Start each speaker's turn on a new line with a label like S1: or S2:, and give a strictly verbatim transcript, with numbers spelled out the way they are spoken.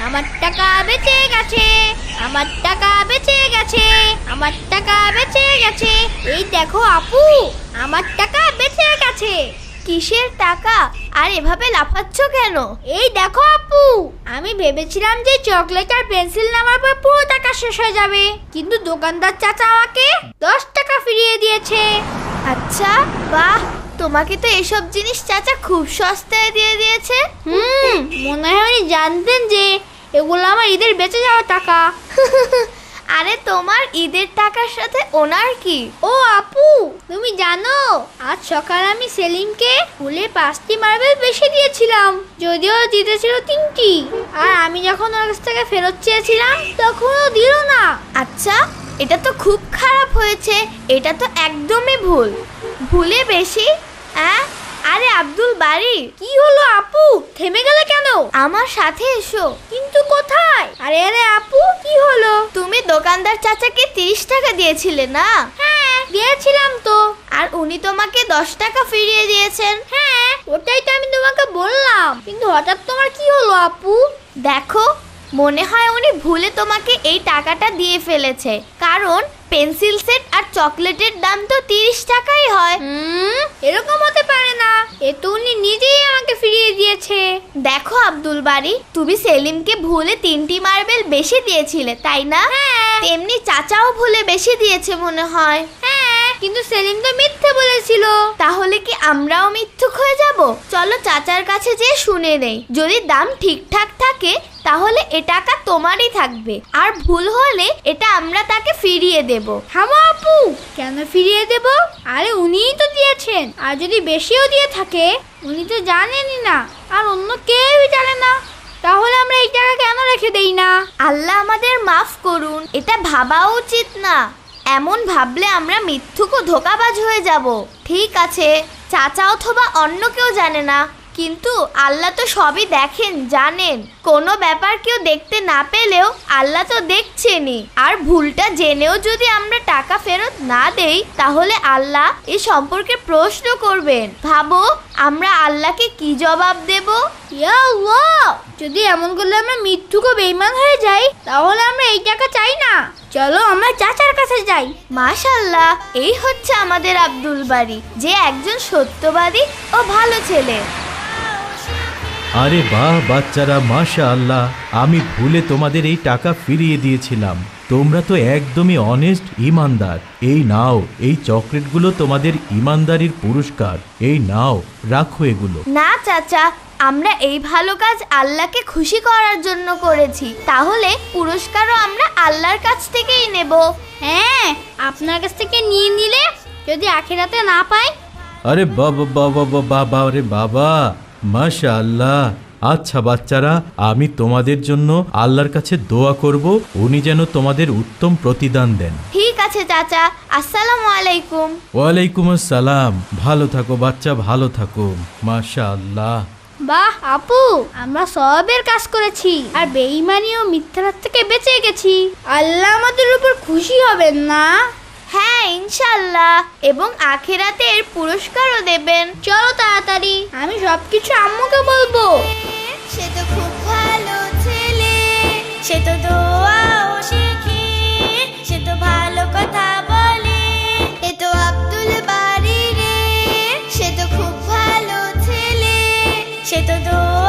S1: আমার টাকা বেঁচে গেছে, আমার টাকা বেঁচে গেছে, আমার টাকা বেঁচে গেছে। এই দেখো আপু, আমার টাকা বেঁচে গেছে।
S2: কিসের টাকা? আর এভাবে লাফাচ্ছ কেন?
S1: এই দেখো আপু, আমি ভেবেছিলাম যে চকলেট আর পেন্সিল নেওয়ার পর পুরো টাকা শেষ হয়ে যাবে, কিন্তু দোকানদার চাচা আমাকে দশ টাকা ফিরিয়ে দিয়েছে।
S2: আচ্ছা, বাহ, তোমাকে তো এসব জিনিস চাচা খুব সস্তায় দিয়ে দিয়েছে।
S1: হুম, মনে হয় উনি জানতেন যে এগুলো আমার ঈদের বেঁচে যাওয়া টাকা।
S2: আরে তোমার ঈদের টাকার সাথে ওনার কি?
S1: ও আপু, তুমি জানো আজ সকালে আমি সেলিমকে ফুলে পাঁচটি মার্বেল বেশি দিয়েছিলাম, যদিও দিতেছিল তিনটি। আর আমি যখন ওর কাছ থেকে ফেরত চেয়েছিলাম তখন ও দিল না।
S2: আচ্ছা, এটা তো খুব খারাপ হয়েছে। এটা তো একদমই ভুল। ভুলে বেশি? হ্যাঁ, আরে আব্দুল বাড়ি।
S1: কি হলো আপু, থেমে গেলে কেন?
S2: আমার সাথে এসো।
S1: কিন্তু কোথায়? আরে আরে আপু, কি হলো?
S2: তুমি দোকানদার চাচাকে তিরিশ টাকা দিয়েছিলে না?
S1: হ্যাঁ, দিয়েছিলাম তো।
S2: আর উনি তোমাকে দশ টাকা ফিরিয়ে দিয়েছেন।
S1: হ্যাঁ, ওটাই তো আমি তোমাকে বললাম, কিন্তু হঠাৎ তোমার কি হলো আপু?
S2: দেখো, মনে হয় উনি ভুলে তোমাকে এই টাকাটা দিয়ে ফেলেছে, কারণ পেন্সিল সেট আর চকলেটের দাম তো তিরিশ টাকাই হয়।
S1: হুম, এরকম হতে পারে না, এ তো উনি নিজেই আমাকে ফিরিয়ে দিয়েছে।
S2: দেখো আব্দুল বাড়ি, তুমি সেলিমকে ভুলে তিনটি মার্বেল বেশি দিয়েছিলে, তাই না?
S1: হ্যাঁ।
S2: তেমনি চাচাও ভুলে বেশি দিয়েছে মনে হয়।
S1: হ্যাঁ, কিন্তু সেলিম তো মিথ্যে বলেছিল।
S2: তাহলে কি আমরাও মিথ্যুক হয়ে যাব? চলো চাচার কাছে যেয়ে শুনে নেই। যদি দাম ঠিকঠাক থাকে তাহলে এ টাকা তোমারই থাকবে, আর ভুল হলে এটা আমরা তাকে ফিরিয়ে দেব।
S1: থামো আপু, কেন ফিরিয়ে দেব? আরে উনিই তো দিয়েছেন, আর যদি বেশিও দিয়ে থাকে উনি তো জানেনই না, আর অন্য কেউই জানে না, তাহলে আমরা এই টাকা কেন রেখে দেই না?
S2: আল্লাহ আমাদের মাফ করুন, এটা ভাবাও উচিত না। এমন ভাবলে আমরা মিথ্যুক ও ধোঁকাবাজ হয়ে যাব। ঠিক আছে, চাচা অথবা অন্য কেউ জানে না, কিন্তু আল্লাহ তো সবই দেখেন, জানেন। কোনো ব্যাপার কেউ দেখতে না পেলেও আল্লাহ তো দেখছেনই। আর ভুলটা জেনেও যদি আমরা টাকা ফেরত না দেই তাহলে আল্লাহ এ সম্পর্কে প্রশ্ন করবেন। ভাবো আমরা আল্লাহকে কি জবাব দেব?
S1: ইয়া আল্লাহ, যদি এমন করলে আমরা মিথ্যুক ও বেঈমান হয়ে যাই তাহলে আমরা এই টাকা চাই না। চলো আমরা চাচার কাছে যাই।
S2: মাশাআল্লাহ, এই হচ্ছে আমাদের আব্দুল বাড়ি, যে একজন সত্যবাদী ও ভালো ছেলে।
S3: আরে বাহ বাচ্চারা, মাশাআল্লাহ, আমি ভুলে তোমাদের এই টাকা ফিরিয়ে দিয়েছিলাম। তোমরা তো একদমই অনেস্ট, ইমানদার। এই নাও, এই চকলেটগুলো তোমাদের ইমানদারির পুরস্কার। এই নাও, রাখো এগুলো।
S2: না চাচা, আমরা এই ভালো কাজ আল্লাহকে খুশি করার জন্য করেছি, তাহলে পুরস্কারও আমরা আল্লাহর কাছ থেকেই নেব।
S1: হ্যাঁ, আপনার কাছ থেকে নিয়ে নিলে যদি আখিরাতে না পাই?
S3: আরে বাবা বাবা বাবা, আরে বাবা, মাশাআল্লাহ। আচ্ছা বাচ্চারা, আমি তোমাদের জন্য আল্লাহর কাছে দোয়া করব, উনি যেন তোমাদের উত্তম প্রতিদান দেন।
S2: ঠিক আছে চাচা, আসসালামু আলাইকুম।
S3: ওয়ালাইকুম আসসালাম। ভালো থাকো বাচ্চা, ভালো থাকো। মাশাআল্লাহ।
S1: বাহ আপু, আমরা সবের কাজ করেছি আর বেঈমানি ও মিথ্যার থেকে বেঁচে গেছি। আল্লাহ আমাদের উপর খুশি হবেন না?
S2: হ্যাঁ, ইনশাআল্লাহ, এবং আখিরাতে এর পুরস্কারও দেবেন।
S1: চলো তাড়াতাড়ি, আমি সবকিছু আম্মুকে বলবো।
S2: সে তো খুব ভালো ছেলে, সে তো দোয়াও শিখে, সে তো ভালো কথা বলে। এ তো আব্দুল বাড়ি রে, সে তো খুব ভালো ছেলে, সে তো দোয়া